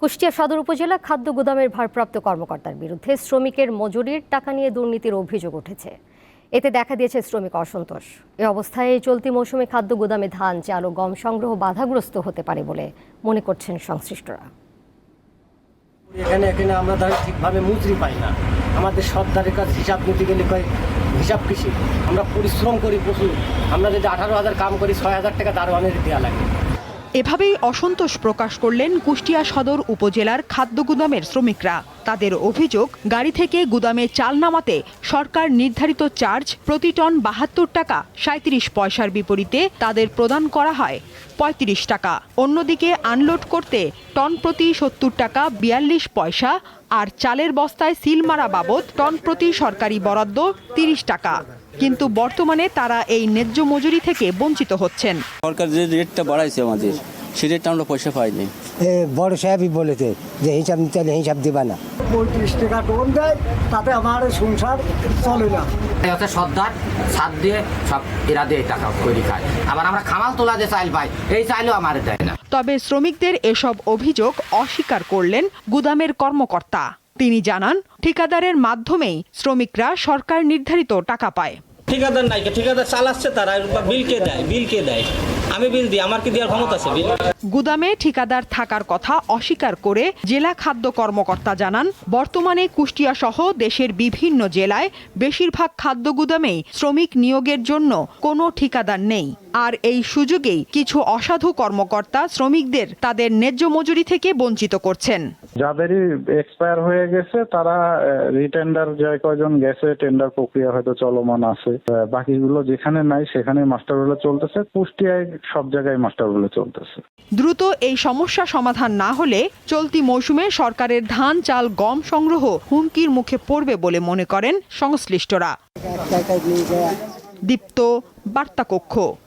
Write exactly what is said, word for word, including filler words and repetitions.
কুষ্টিয়া সদর উপজেলা খাদ্য গুদামের ভারপ্রাপ্ত কর্মকর্তার বিরুদ্ধে শ্রমিকের মজুরির টাকা নিয়ে দুর্নীতির অভিযোগ উঠেছে। এতে দেখা দিয়েছে শ্রমিক অসন্তোষ। এ অবস্থায় চলতি মৌসুমে খাদ্য গুদামে ধান, চাল ও গম সংগ্রহ বাধাগ্রস্ত হতে পারে বলে মনে করছেন সংশ্লিষ্টরা। এখানে এখানে আমরা ধর ঠিকভাবে মজুরি পাই না। আমাদের সর্দারের কাছে হিসাব নিতে গেলে কয় হিসাব কৃষি, আমরা পরিশ্রম করি প্রচুর। আমরা যদি আঠারো হাজার কাম করি, ছয় হাজার টাকা দারোয়ানের দেওয়া লাগে। এভাবেই অসন্তোষ প্রকাশ করলেন কুষ্টিয়া সদর উপজেলার খাদ্য গুদামের শ্রমিকরা। তাদের অভিযোগ, গাড়ি থেকে গুদামে চাল নামাতে সরকার নির্ধারিত চার্জ প্রতি টন বাহাত্তর টাকা সাঁত্রিশ পয়সার বিপরীতে তাদের প্রদান করা হয় পঁয়ত্রিশ টাকা। অন্যদিকে আনলোড করতে টন প্রতি সত্তর টাকা বিয়াল্লিশ পয়সা, আর চালের বস্তায় সিল মারা বাবদ টন প্রতি সরকারি বরাদ্দ তিরিশ টাকা। কিন্তু বর্তমানে তারা এই ন্যায্য মজুরি থেকে বঞ্চিত হচ্ছেন। সরকার যে রেটটা বাড়াইছে আমাদের, সেই রেটটা আমরা পয়সা পাইনি। বড় সাহেবই বলেছে যে হিসাব নিতে হলে হিসাব দিবা না। পঁয়ত্রিশ টাকা টোন দেয়, তাতে আমার সংসার চলে না। সর্দার সাত দিয়ে সব এরা দিয়ে টাকা তৈরি খায়। আবার আমরা খামাল তোলা যে চাইল পাই, এই চাইলেও আমার দেয় না। তবে শ্রমিকদের এসব অভিযোগ অস্বীকার করলেন গুদামের কর্মকর্তা। তিনি জানান, ঠিকাদারের মাধ্যমেই শ্রমিকরা সরকার নির্ধারিত টাকা পায়। ঠিকাদার নাই, ঠিকাদার চালাচ্ছে তারা, বিল কে দেয়? বিল কে দেয়? আমি বিল দিই, আমার কি দেওয়ার ক্ষমতা আছে? বিল গুদামে ঠিকাদার থাকার কথা অস্বীকার করে জেলা খাদ্য কর্মকর্তা জানান, বর্তমানে কুষ্টিয়া সহ দেশের বিভিন্ন জেলায় বেশিরভাগ খাদ্য গুদামেই শ্রমিক নিয়োগের জন্য কোনো ঠিকাদার নেই। আর এই সুযোগেই কিছু অসাধু কর্মকর্তা শ্রমিকদের তাদের ন্যায্য মজুরি থেকে বঞ্চিত করছেন। যাদেরই এক্সপায়ার হয়ে গেছে তারা রিটেন্ডার, যে কয়জন গেছে টেন্ডার প্রক্রিয়া হয়তো চলমান আছে, বাকিগুলো যেখানে নাই সেখানে মাস্টার রোলে চলতেছে। কুষ্টিয়ায় সব জায়গায় মাস্টার রোলে চলতেছে। দ্রুত এই সমস্যা সমাধান না হলে চলতি মৌসুমে সরকারের ধান, চাল, গম সংগ্রহ হুমকির মুখে পড়বে বলে মনে করেন সংশ্লিষ্টরা। দীপ্ত, বার্তা কক্ষ।